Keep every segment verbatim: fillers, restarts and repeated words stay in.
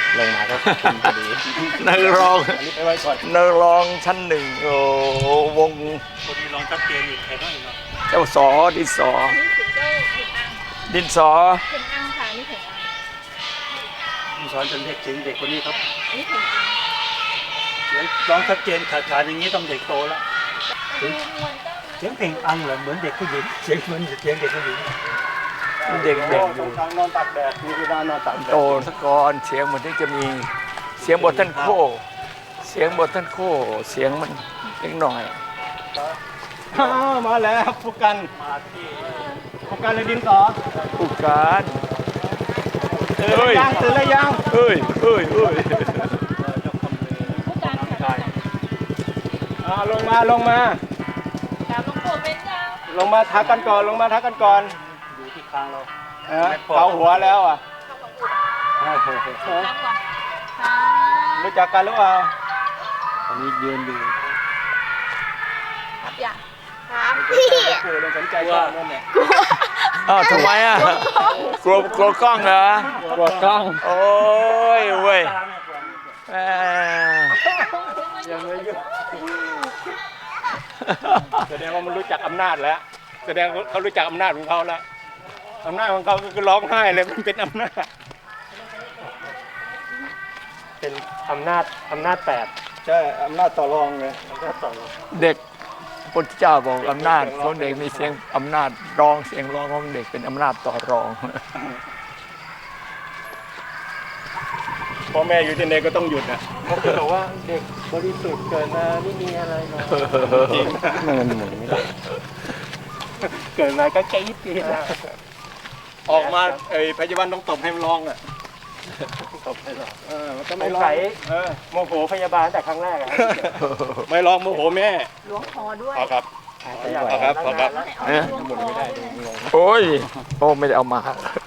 ลงมาก็คุณพอดีนักร้องอันนี้ไปไว้ก่อนนักร้องชั้นหนึ่งโอ้วงคนนี้ร้องชัดเจนอีกใครบ้างเนาะเจ้าสอดินสอดินสอเข่งอังค่ะนี่เข่งอังมีสอนจนเด็กจริงเด็กคนนี้ครับนี่เข่งอังเสียงร้องชัดเจนขาดขาดอย่างนี้ต้องเด็กโตแล้วเสียงเพลงอังเหรอเหมือนเด็กผู้หญิงเสียงเหมือนเสียงเด็กผู้หญิงเด็กเด็กอยู่นอนตักแดดมีเวลานอนตักแดดโตสกอนเสียงมันที่จะมีเสียงบทท่านโคเสียงบทท่านโคเสียงมันเล็กหน่อยมาแล้วผู้กันมาที่ผู้กันเลยดินสอผู้การตื่นแล้วยังตื่นแล้วยังเฮ้ยเฮ้ยเฮ้ยผู้การค่ะอ่าลงมาลงมาตามลงโคเป็นยังลงมาทักกันก่อนลงมาทักกันก่อนอยู่ที่คางเราเกาหัวแล้วอ่ะรู้จักกันหรือเปล่าตอนนี้ยืนอยู่ครับอย่างครับพี่กลัวสนใจกล้องนั่นแหละอ้าวทำไมอ่ะกลัวกลัวกล้องเหรอกลัวกล้องโอ้ยเว้ยแหมยังไม่ยุ่งแสดงว่ามันรู้จักอำนาจแล้วแสดงเขารู้จักอำนาจของเขาแล้วอำนาจของเขาคือร้องไห้เลยมันเป็นอำนาจเป็นอำนาจอำนาจแปดใช่อำนาจต่อรองเลยอำนาจต่อรองเด็กพระเจ้าบอกอำนาจของเด็กมีเสียงอำนาจร้องเสียงร้องของเด็กเป็นอำนาจต่อรองพ่อแม่อยู่ที่ไหนก็ต้องหยุดนะเขาจะบอกว่าเด็กบริสุทธิ์เกิดมาไม่มีอะไรมาจริงมันหมุนไม่ได้เกิดมาก็แค่ยิบปีนะออกมาไอ้พยาบาลต้องตบให้มันร้องอ่ะตบให้ร้องเออมันก็ไม่ร้องเออโมโหพยาบาลแต่ครั้งแรกอ่ะไม่ร้องโมโหแม่ล้วงคอด้วยครับครับครับหมุนไม่ได้โอ้ยโอ้ไม่ได้เอามา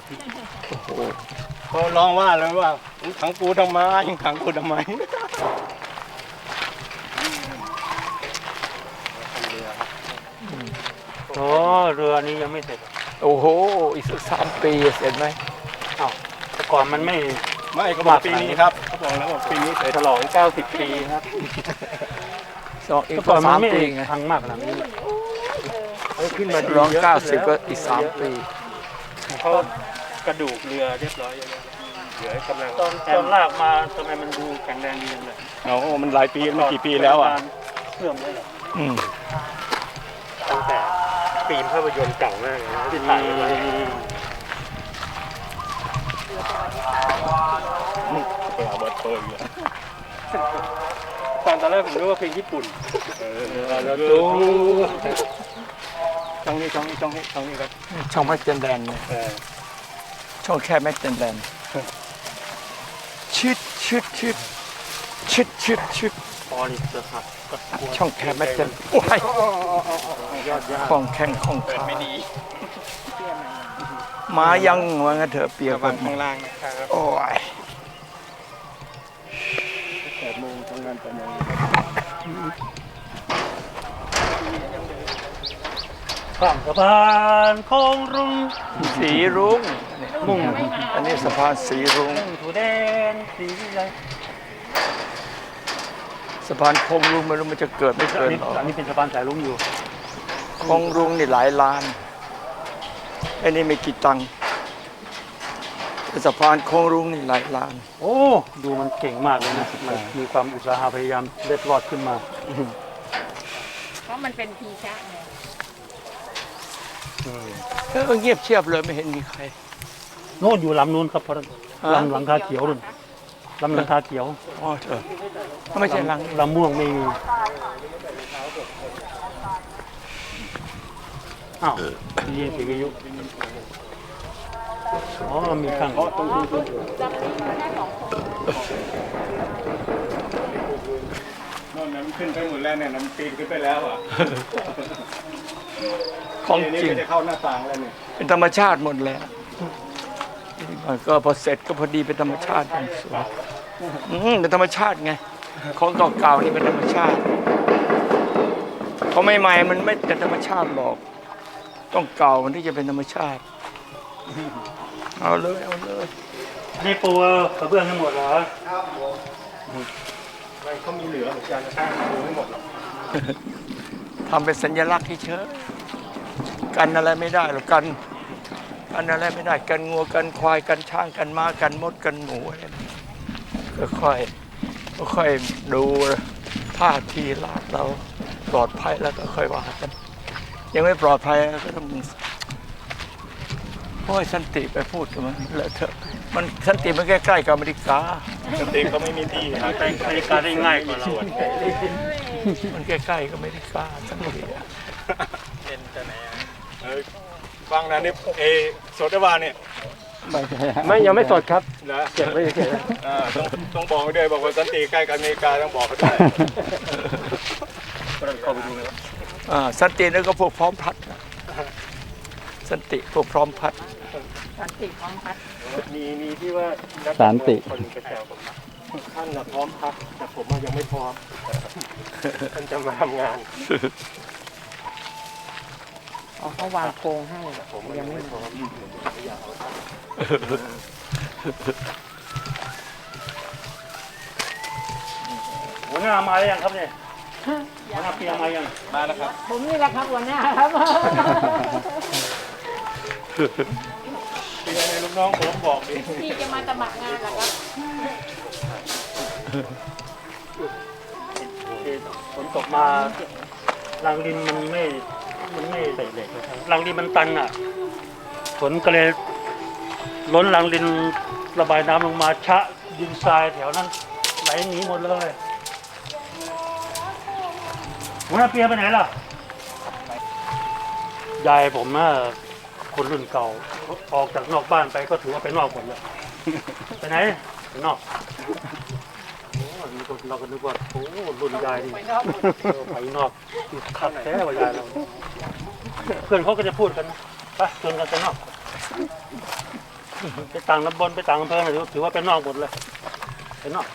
เขาร้องว่าเลยว่าขังกูทำไมยังขังกูทำไมโอ้เรือนี้ยังไม่เสร็จโอ้โหอีกสักสามปีเสร็จไหมอ้าวแต่ก่อนมันไม่ไม่เขาบอกปีนี้ครับเขาบอกแล้วว่าปีนี้เสร็จฉลองเก้าสิบปีครับสองอีกสามปีไงพังมากนะนี่ขึ้นมาร้องเก้าสิบก็อีกสามปีเขากระดูกเรือเรียบร้อยเหลือกำลังตอนตอนลากมาทำไมมันดูแข็งแรงดีเลยโอ้มันหลายปีมันกี่ปีแล้วอ่ะเสื่อมเลยอืมตั้งแต่ฟิล์มภาพยนตร์เก่ามากเลยที่ถ่ายไว้เปิดเปิดเปิดอยู่ตอนตอนแรกผมนึกว่าเพลงญี่ปุ่นเออแล้วดูช่องนี้ช่องนี้ช่องนี้ช่องนี้ครับช่องแม็กเจนแดนเนี่ยช่องแค่แม็กเจนแดนชิดชิดชิดชิดชิดชิดพอนี่จะครับช่องแค่แม็กเจนโอ้ยของแข่งของขาไม่ดีมายังว่างั้นเถอะเปียกกันข้างล่างนะครับโอ้ยแปดโมงทำงานแปดโมงข้ามสะพานโค้งรุ่งสีรุ้งมุ่งอันนี้สะพานสีรุ้งถูแดนสีอะไรสะพานโค้งรุ้งไม่รู้มันจะเกิดไม่เกิดหรออันนี้เป็นสะพานสายรุ้งอยู่โค้งรุ้งนี่หลายล้านอันนี้ไม่กี่ตังค์สะพานโค้งรุ้งนี่หลายล้านโอ้ดูมันเก่งมากเลยนะมันมีความอุตสาหะพยายามเล็ดรอดขึ้นมาเพราะมันเป็นพีชะไงเออเงียบเชียบเลยไม่เห็นมีใครโน่นอยู่ลำนู้นครับพอลำหลังคาเขียวนู่นลำหลังคาเขียวอ๋อเถอะไม่ใช่ลังลำม่วงไม่มีอ้าวยินเสียงวิทยุอ๋อมีข้างอ๋อตรงนี้ตรงนี้นั่นน้ำขึ้นไปหมดแล้วเนี่ยน้ำปีนขึ้นไปแล้วอ่ะของจริงจะเข้าหน้าต่างแล้วเนี่ยเป็นธรรมชาติหมดแล้วก็พอเสร็จก็พอดีเป็นธรรมชาติอย่างสวยอืมเป็นธรรมชาติไงของเก่าๆนี่เป็นธรรมชาติเขาใหม่ๆมันไม่เป็นธรรมชาติหรอกต้องเก่ามันที่จะเป็นธรรมชาติเอาเลยเอาเลยนี่ปูกระเบื้องทั้งหมดเหรอไม่เขามีเหลือเหมือนกันช่างดูไม่หมดหรอกทำเป็นสัญลักษณ์เฉยๆกันอะไรไม่ได้หรอกกันกันอะไรไม่ได้กันงัวกันควายกันช้างกันม้ากันมดกันหมูอะไรก็ค่อยก็ค่อยดูท่าทีลาดเราปลอดภัยแล้วก็ค่อยว่ากัน ยังไม่ปลอดภัยก็ต้องโอ้ยสันติไปพูดกับมันเลอะเทอะมันสันติมันใกล้ๆกับอเมริกาสติเขาไม่มีที่หาไปอเมริกาได้ง่ายกว่าเรามันใกล้ๆกับอเมริกาสันติอะเออฟังนะนี่เอโสดาวาเนี่ยไม่ยังไม่สดครับนะเก็บไว้เฉยอ่าต้องต้องบอกด้วยบอกว่าสันติใกล้กับอเมริกาต้องบอกเขาด้วยเข้าไปดูเลยอ่าสันตินั่นก็พวกพร้อมพัดนะสันติพวกพร้อมพัดสันติพร้อมพัฒน์มีมีที่ว่านักสันติคนกระแสผมท่านน่ะพร้อมพักแต่ผมอะยังไม่พร้อมท่านจะมาทำงานอ๋อเขาวางโครงให้ผมอะยังไม่พร้อมไม่อยากเอาท่านหัวหน้ามาหรือยังครับเนี่ยหัวหน้าเปียมายังมาแล้วครับผมนี่แหละครับหัวหน้าครับเปียในลูกน้องผมบอกดิพี่จะมาสมัครงานเหรอครับฝนตกมารังดินมันไม่มันไม่ใส่เหล็กนะครับรังดินมันตันอ่ะฝนก็เลยล้นรังดินระบายน้ำลงมาชะดินทรายแถวนั้นไหลหนีหมดเลยหัวหน้าเปียไปไหนล่ะยายผมน่ะคนรุ่นเก่าออกจากนอกบ้านไปก็ถือว่าไปนอกหมดเลยไปไหนไปนอกโอ้ยนี่ก็เราก็นึกว่าโอ้รุ่นยายนี่ไปนอกหมดเออไปนอกขัดแท้กว่ายายเราเพื่อนเขาก็จะพูดกันนะไปชวนกันไปนอกไปต่างตำบลไปต่างอำเภอถือถือว่าเป็นนอกหมดเลยไปนอก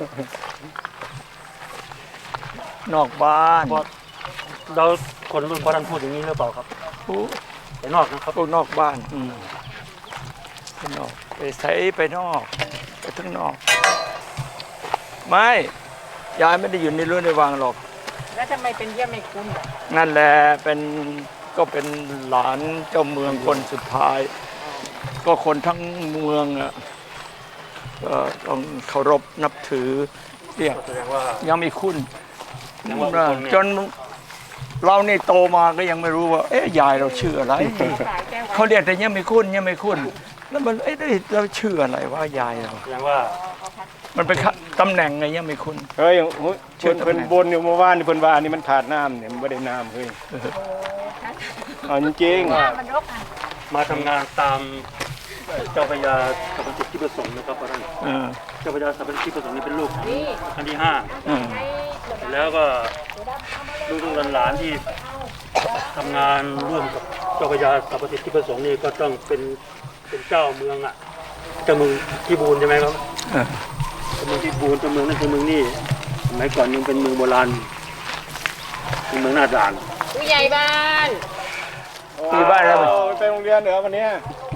นอกบ้านเพราะเราคนรุ่นพ่อท่านพูดอย่างนี้หรือเปล่าครับผู้ไปนอกนะครับพวกนอกบ้านอืมไปนอกไปใช้ไปนอกไปทั้งนอก ไม่ยายไม่ได้อยู่ในรั้วในวังหรอกแล้วทำไมเป็นเยี่ยมไม่คุ้นอ่ะนั่นแหละเป็นก็เป็นหลานเจ้าเมืองคนสุดท้าย ก็คนทั้งเมืองอ่ะก็ต้องเคารพนับถือเรียกแสดงว่ายังไม่คุ้นแสดงว่าคนเนี่ยจนเรานี่โตมาก็ยังไม่รู้ว่า เอ๊ะยายเราชื่ออะไรสายแก้วเขาเรียกแต่ยังไม่คุ้นยังไม่คุ้น แล้วมันเอ๊ะเราชื่ออะไรว่ายายเราแสดงว่ามันเป็นตำแหน่งไงยังไม่คุ้นเฮ้ยโอ้ยเพิ่นเพิ่นบนอยู่เมื่อวานนี่เพิ่นว่านี่มันขาดน้ำเนี่ยมันไม่ได้น้ำเฮ้ยเอาจริงหน้ามันรกอ่ะมาทำงานตามเจ้าพระยาสัพพัญที่ประสงค์นะครับพ่อท่านเออเจ้าพระยาสัพพัญที่ประสงค์นี่เป็นลูกนี่อันที่ห้าเออให้แล้วก็ลูกๆหลานๆที่ทำงานร่วมกับเจ้าพระยาสัพพัญที่ประสงค์นี่ก็ต้องเป็นเป็นเจ้าเมืองอ่ะเจ้าเมืองที่บูนใช่ไหมครับเออเจ้าเมืองที่บูนเจ้าเมืองนั่นคือเมืองนี่สมัยก่อนยังเป็นเมืองโบราณเป็นเมืองหน้าด่านผู้ใหญ่บ้านๆที่บ้านเราว้วไปโรงเรียนเหรอวันเนี้ย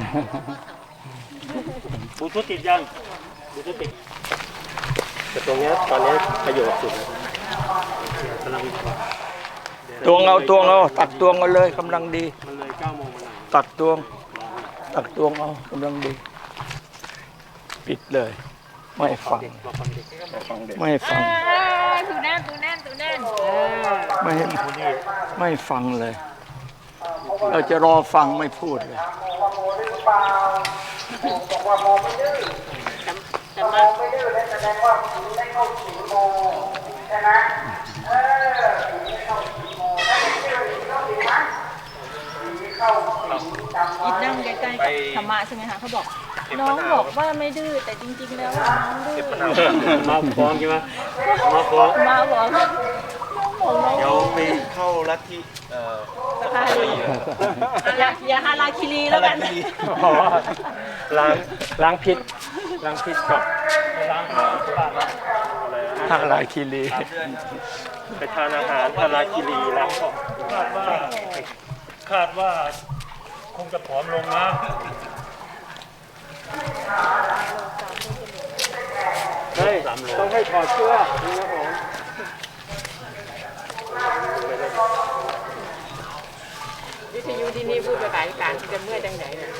บูทุติดยังบูทุติดแต่ตรงเนี้ยตอนเนี้ยประโยชน์สุดนะกำลังตวงเอาตวงเอาตักตวงเอาเลยกำลังดีมันเลยเก้าโมงมาหน่อยตักตวง ตักตวงเอากำลังดี ปิดเลย ไม่ฟังมาฟังเด็กฟังเด็กไม่ฟังตูแน่นตูแน่นตูแน่นไม่คนนี้ไม่ฟังเลย เราจะรอฟังไม่พูดเลยแต่มา อีกนั่งใกล้ๆกับธรรมะใช่ไหมคะเขาบอก น้องบอกว่าไม่ดื้อแต่จริงๆแล้วน้องดื้อมาฟ้องใช่ไหมมาฟ้องมาบอกน้องบอกน้องเดี๋ยวไปเข้าลัทธิเอ่อฮาลีอย่าอย่าฮาราคิรีแล้วกันอ๋อล้างล้างพิษล้างพิษก่อนล้างอะไรนะทางลายคีรีไปทานอาหารพาราคิรีล้างก่อนคาดว่าคาดว่าคงจะผอมลงนะามโลต้องให้ถอดเสื้อนี่ครับผมวิทยุที่นี่พูดภาษาอีสานที่จะเมื่อยจังไหนเนี่ย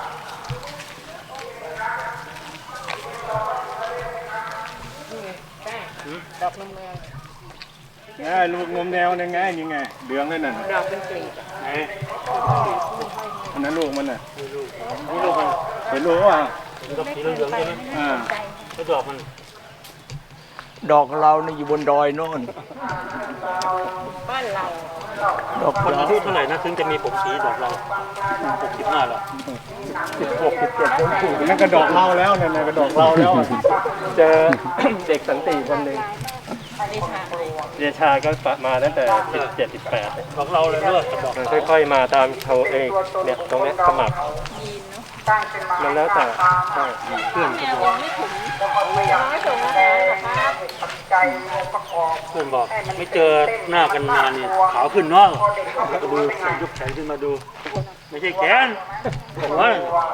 ดอกนมแมวง่ลูกนมแนวนี่ไงยังไงเหลืองเลยน่ะดอกเป็นกลีบอะไหนอันนั้นลูกมันน่ะนี่ลูกนี่ลูกมันเห็นลูกว่าดอกสีเหลืองๆใช่ไหมอ่าแล้วดอกมันดอกเรานี่อยู่บนดอยโน่นบ้านเราดอกคนเราอายุเท่าไหร่นะถึงจะมีผมสีดอกเราหกสิบห้าแล้วสิบหกสิบเจ็ดต้นผูกนั่นก็ดอกเราแล้วนั่นน่ะก็ดอกเราแล้ว เจอ เด็กสันติคนหนึ่งดิฉันเดชาก็มาตั้งแต่สิบเจ็ดสิบแปดดอกเราเลยเลือกดอกมันค่อยๆมาตามเขาเองเนี่ยตรงเนี้ยสมัครยีนเนาะมันแล้วแต่ใช่เพื่อนแมวไม่ถุงน้อยส่งอาหารเหรอครับเพื่อนบอกไม่เจอหน้ากันนานนี่ขาวขึ้นเนาะก็ดูยกแขนขึ้นมาดู ไม่ใช่แขนหัว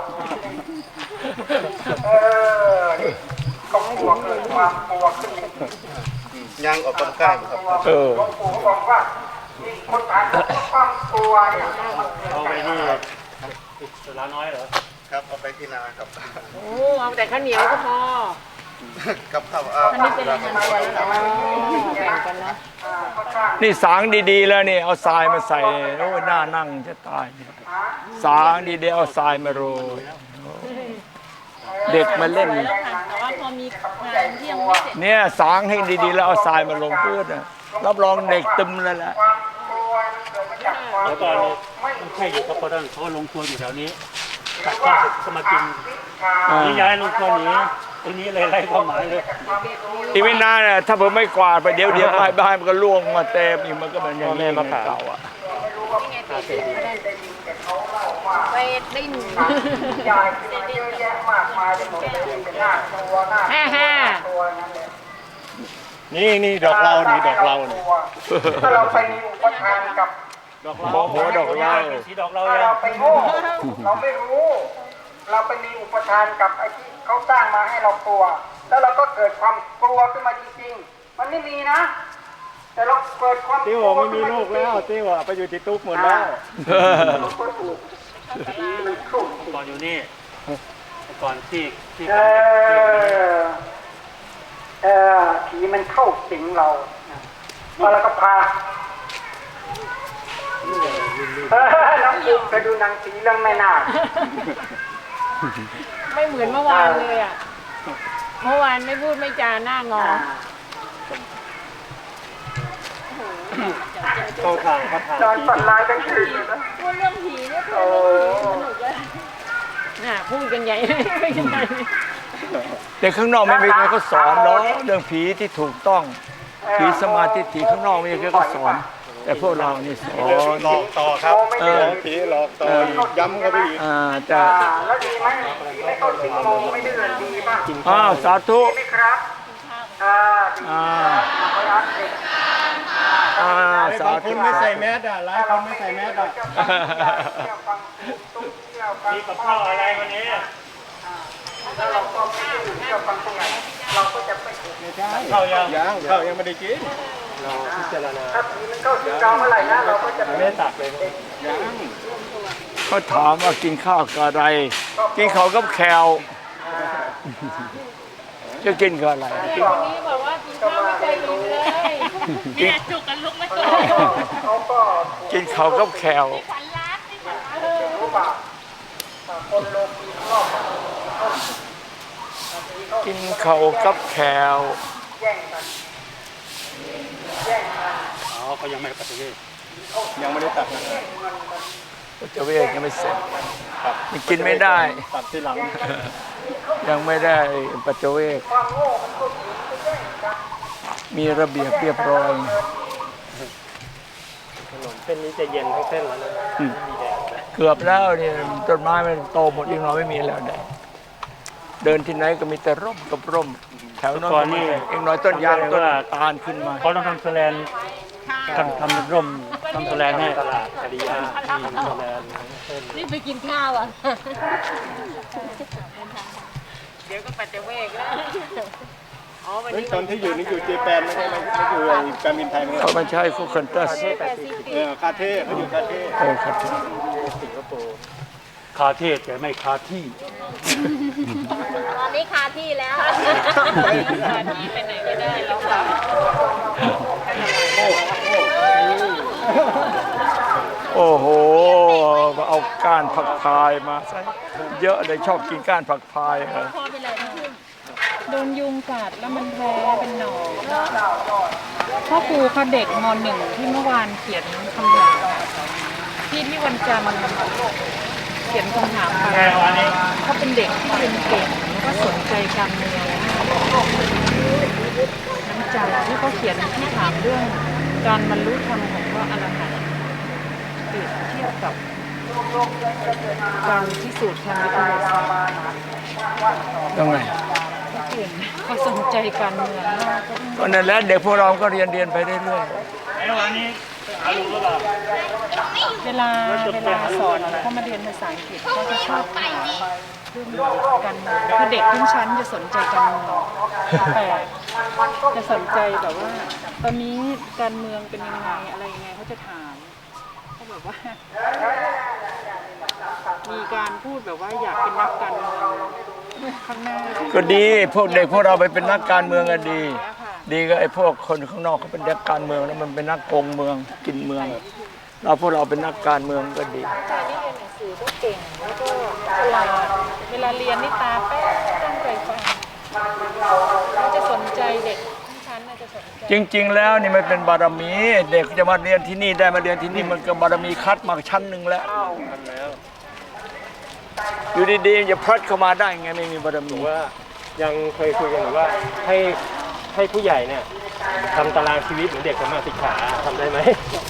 ย่างออกกำลังกายครับเออเอาไปนี่สลาน้อยเหรอครับเอาไปที่นาครับโอ้เอาแต่ข้าวเหนียวก็พอกับข้าวอาอันนี้เป็นอาหารตัวแล้วเหรอแบ่งกันเนาะนี่สางดีๆแล้วนี่เอาทรายมาใส่โอ้ยน่านั่งจะตายสางดีๆเอาทรายมาโรยเด็กมาเล่นแล้วค่ะแต่ว่าพอมีงานที่ยังไม่เสร็จเนี่ยสางให้ดีๆแล้วเอาทรายมาลงพื้นนะรับรองเด็กตึมเลยแหละแล้วก็ไม่ใช่อยู่กับพ่อท่านเขาลงครัวอยู่แถวนี้ตัดข้าวเสร็จก็มากินอ่านี่ย้ายลงครัวหนีตรงนี้เลยไล่ความหมายเลยอีกไม่นานน่ะถ้าผมไม่กวาดไปเดี๋ยวเดี๋ยวบ้านบ้านมันก็ล่วงมาเต็มอีกมันก็เหมือนอย่างนี้เหมือนเก่าอ่ะไปดิ้นฮ่าฮ่านี่นี่ดอกเรานี่ดอกเรานี่ถ้าเราไปมีอุปทานกับดอกเราขอหัวดอกเหล้าสีดอกเราถ้ายังเราไปโง่เราไม่รู้ เราไปมีอุปทานกับไอ้ที่เขาสร้างมาให้เรากลัว แล้วเราก็เกิดความกลัวขึ้นมาจริงๆ มันไม่มีนะ แต่เราเกิดความติ้วไม่มีลูกแล้วติ้วอะไปอยู่ที่ตุ๊กหมดแล้วเราก็ถูกมันถูกก่อนอยู่นี่ก่อนที่ที่เออเออผีมันเข้าสิงเราแล้วเราก็พาเออน้องปูไปดูหนังผีเรื่องแม่นาคไม่เหมือนเมื่อวานเลยอ่ะ เมื่อวานไม่พูดไม่จาหน้างอเข้าทางเขาทางนอนฝันร้ายทั้งคืนเลยนะพูดเรื่องผีเนี่ยพูดเรื่องผีสนุกเลยน่ะพูดกันใหญ่เลยไม่กันใหญ่เด็กข้างนอกไม่มีใครเขาสอนหรอกเรื่องผีที่ถูกต้องผีสมาธิถี่ข้างนอกไม่มีใครเขาสอน แต่พวกเรานี่สอนหลอกต่อครับเออผีหลอกต่อย้ำเข้าไปอีกอ่าแต่อ่าแล้วดีไหมผีไม่เข้าสิงโมไม่ดื้อดีป่ะอ้าวสาธุดีไหมครับอ่าดีอ่าขอรับเด็กอ่าสาบางคธุนไม่ใส่แมสอ่ะหลายคนไม่ใส่แมสอ่ะเที่ยวฟังตุ้งเที่ยวฟังมีกับข้าวอะไรวันนี้แล้วเราก็ไม่ได้เที่ยวฟังตรงไหนเราก็จะไม่ถูกไม่ใช่ข้าวยังยังข้าวยังไม่ได้กินเราพิจารณาถ้าผีมันเข้าสิงเราเมื่อไหร่นะเราก็จะไม่ได้ตักเลยยังเขาถามว่ากินข้าวกับอะไร กินข้าวกับแคลจะกินกับอะไรวันนี้บอกว่ากินข้าวไม่เคยกินเลยเนี่ยจุกกันลุกไม่เคยเขาก็กินข้าวกับแคลฝันร้านที่ฝันร้านรู้ป่ะคนโลกีรอบกินข้าวกับแคลแย่งกันแย่งกันอ๋อเขายังไม่ปฏิเวทยังไม่ได้ตักนะปัจเวกยังไม่เสร็จยังกินไม่ได้ตักที่หลังยังไม่ได้ปัจเวกความโง่มันก็ผีไปแย่งกันมีระเบียบเรียบร้อยถนนเส้นนี้จะเย็นทั้งเส้นแล้วนะอืมเกือบแล้วเนี่ยต้นไม้มันโตหมดอีกหน่อยไม่มีแล้วแดดเดินที่ไหนก็มีแต่ร่มกับร่ม แถวนั้นก็มีอีกหน่อยต้นยางต้นตาลขึ้นมาเขาต้องทำแสลนทำทำเป็นร่มทำแสลนให้ตลาดคดีอาที่โรงแรมนี่ไปกินข้าวอ่ะเดี๋ยวก็ปัจเจเวกแล้วอ๋อวันเฮ้ยนี้ตอนที่อยู่นี่อยู่เจแปนไม่ใช่ไหมไม่อยู่ในการบินไทยมั้งเขาไม่ใช่คู่คันตัสแปซิฟิกเออคาเท่เขาอยู่คาเท่เออครับสิงคโปร์คาเทศแต่ไม่คาที่ตอนนี้คาที่แล้วคาที่ไปไหนก็ได้แล้วค่ะโอ้โหเอาก้านผักพายมาใส่เยอะเลยชอบกินก้านผักพายเหรอพ่อเป็นไรนะโดนยุงกัดแล้วมันแพ้เป็นหนองพ่อครูเขาเด็กมหนึ่งที่เมื่อวานเขียนคำถามที่ที่วันจันทร์เขียนคำถามไปเขาเป็นเด็กที่เรียนเก่งแล้วก็สนใจการเมืองน้ำใจที่เขาเขียนที่ถามเรื่องการบรรลุธรรมของพระอรหันต์เปรียบเทียบกับการพิสูจน์ทางวิทยาศาสตร์ยังไงเขาเก่งเขาสนใจการเมืองมากก็นั่นแหละเด็กพวกเราก็เรียนเรียนไปเรื่อยไอ้วันนี้หาลุงหรือเปล่าเวลาเวลาสอนเขามาเรียนภาษาอังกฤษเขาจะชอบถามเรื่องการเมืองคือเด็กทั้งชั้นจะสนใจการเมืองแต่จะสนใจแบบว่า ตอนนี้การเมืองเป็นยังไงอะไรยังไงเขาจะถามเขาแบบว่า มีการพูดแบบว่าอยากเป็นนักการเมืองข้างหน้าๆก็ดีพวกเด็กพวกเราไปเป็นนักการเมืองก็ดี ดีก็ไอ้พวกคนข้างนอกเขาเป็นนักการเมืองแล้วมันเป็นนักโกงเมืองกินเมือง เราพวกเราเป็นนักการเมืองก็ดีชายที่เรียนหนังสือก็เก่งแล้วก็ฉลาดเวลาเรียนนี่ตาแป๊ะตั้งใจฟังเขาจะสนใจเด็กทั้งชั้นน่ะจะสนใจจริง ๆ แล้วนี่มันเป็นบารมี เด็กจะมาเรียนที่นี่ได้มาเรียนที่นี่มันก็บารมีคัดมาชั้นหนึ่งแล้ว อยู่ดีๆจะพลัดเข้ามาได้ไงไม่มีบารมีว่ายังเคยคุยกันอยู่ว่าให้ให้ผู้ใหญ่เนี่ยทำตารางชีวิตเหมือนเด็กสมมาศึกษาทำได้ไหม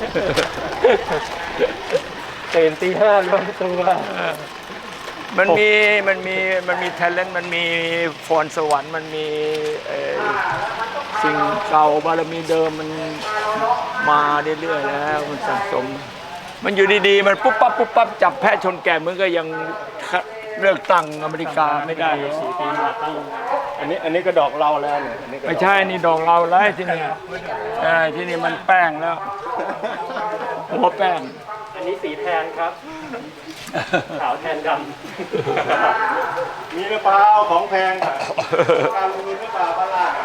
ตื่นตีห้ารวมตัวมันมีมันมีมันมี talent มันมีพรสวรรค์มันมีเอ่อสิ่งเก่าบารมีเดิมมันมาเรื่อยๆแล้วมันสะสม มันอยู่ดีๆมันปุ๊บปั๊บปุ๊บปั๊บจับแพะชนแกะมันก็ยังเลือกตั้งอเมริกาไม่ได้สี่ปีมาตั้งอันนี้อันนี้ก็ดอกเราแล้วเนี่ยอันนี้ก็ดอกไม่ใช่นี่ดอกเราแล้วที่นี่ใช่ที่นี่มันแป้งแล้ว หัวแป้งอันนี้สีแทนครับขาวแทนดำมีหรือเปล่าของแพงอะการลงทุนหรือเปล่าบ้านล่างอะ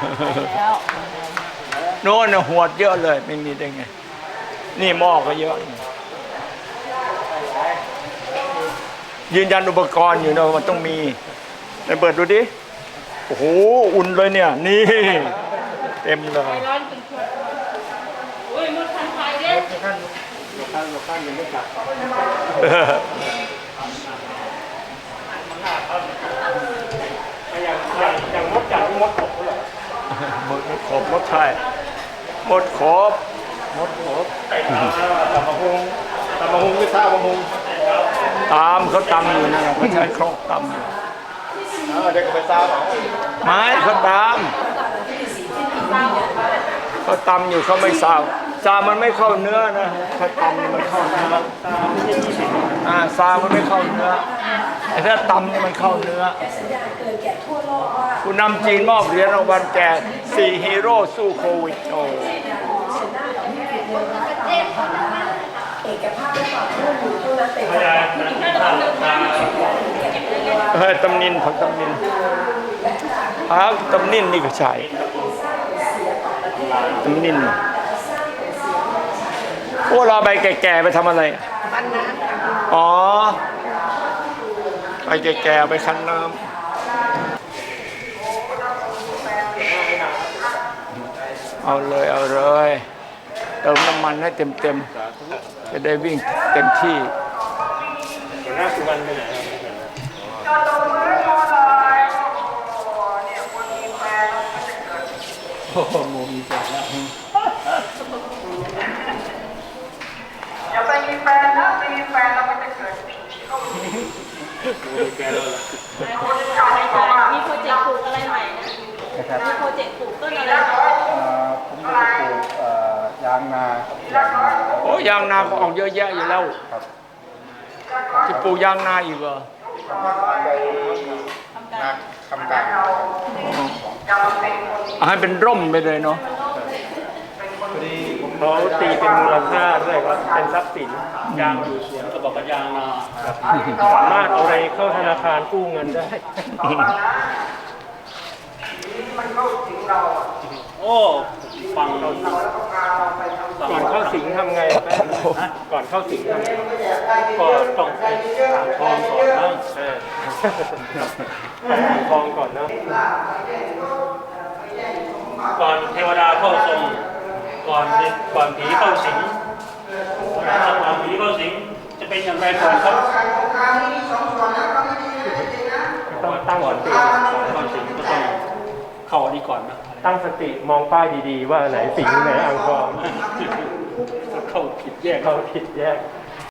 โน่นน่ะหวดเยอะเลยไม่มีได้ไง นี่หม้อก็เยอะ ยืนยันอุปกรณ์อยู่นะมันต้องมีไปเปิดดูดิ โอ้โห อุ่นเลยเนี่ย นี่ เต็มเลยท่านท่านยังไม่กลับอย่างอย่างอย่างมดจัดที่มดขบเหรอหมดขบหมดไทยหมดขบมดขบตับมะฮงตับมะฮงไม่ทราบมะฮงตามเขาตำอยู่นะเขาใช้ครกตำอยู่เด็กก็ไปทราบเหรอไม้เขาตามเขาตำอยู่เขาไม่สาวซามันไม่เข้าเนื้อนะถ้าตำนี่มันเข้าเนื้ออ่าซามันไม่เข้าเนื้อแต่ถ้าตำนี่มันเข้าเนื้อผู้นำจีนมอบเหรียญรางวัลแก่สี่ฮีโร่สู้โควิดโอ้เฮ้ยตำนินผักตำนินผักตำนินนี่ก็ใช่ตำนินพวกเราใบแก่ๆไปทำอะไรอ่ะอ๋อใบแก่ๆไปคั้นน้ำเอาเลยเอาเลยเติมน้ำมันให้เต็มๆจะได้วิ่งเต็มที่หัวหน้าสุวรรณไปไหนครับโอ้โหโมมีแฟนแล้วอย่าไปมีแฟนนะไม่มีแฟนแล้วมันจะเกิดสิ่งที่เขามีมีแฟนแล้วล่ะมีโปรเจกต์ปลูกอะไรใหม่นะมีโปรเจกต์ปลูกต้นอะไรผมจะปลูกยางนาโอ้ยางนาก็ออกเยอะแยะอยู่แล้วจะปลูกยางนาอีกเหรอนาคำกลางจะมาเป็นให้เป็นร่มไปเลยเนาะเขาตีเป็นมูลค่าด้วยครับเป็นทรัพย์สินยางอยู่สวนก็บอกว่ายางนาสามารถเอาไปเข้าธนาคารกู้เงินได้โอ้ฟังเราก่อนเข้าสิงทำไงแป๊บก่อนเข้าสิงทำไงก็ต้องไปถามทองก่อนนะเออถามทองก่อนเนาะก่อนเทวดาเข้าทรงก่อนก่อนผีเข้าสิงก่อนผีเข้าสิงจะเป็นอย่างไรก่อนครับต้องตั้งก่สอนติเข้าสิงก็ต้องเข้าอันนี้ก่อนนะตั้งสติมองป้ายดีๆ ว่าไหนสิงไหนอ่างทองเข้าผิดแยกเขาผิดแยก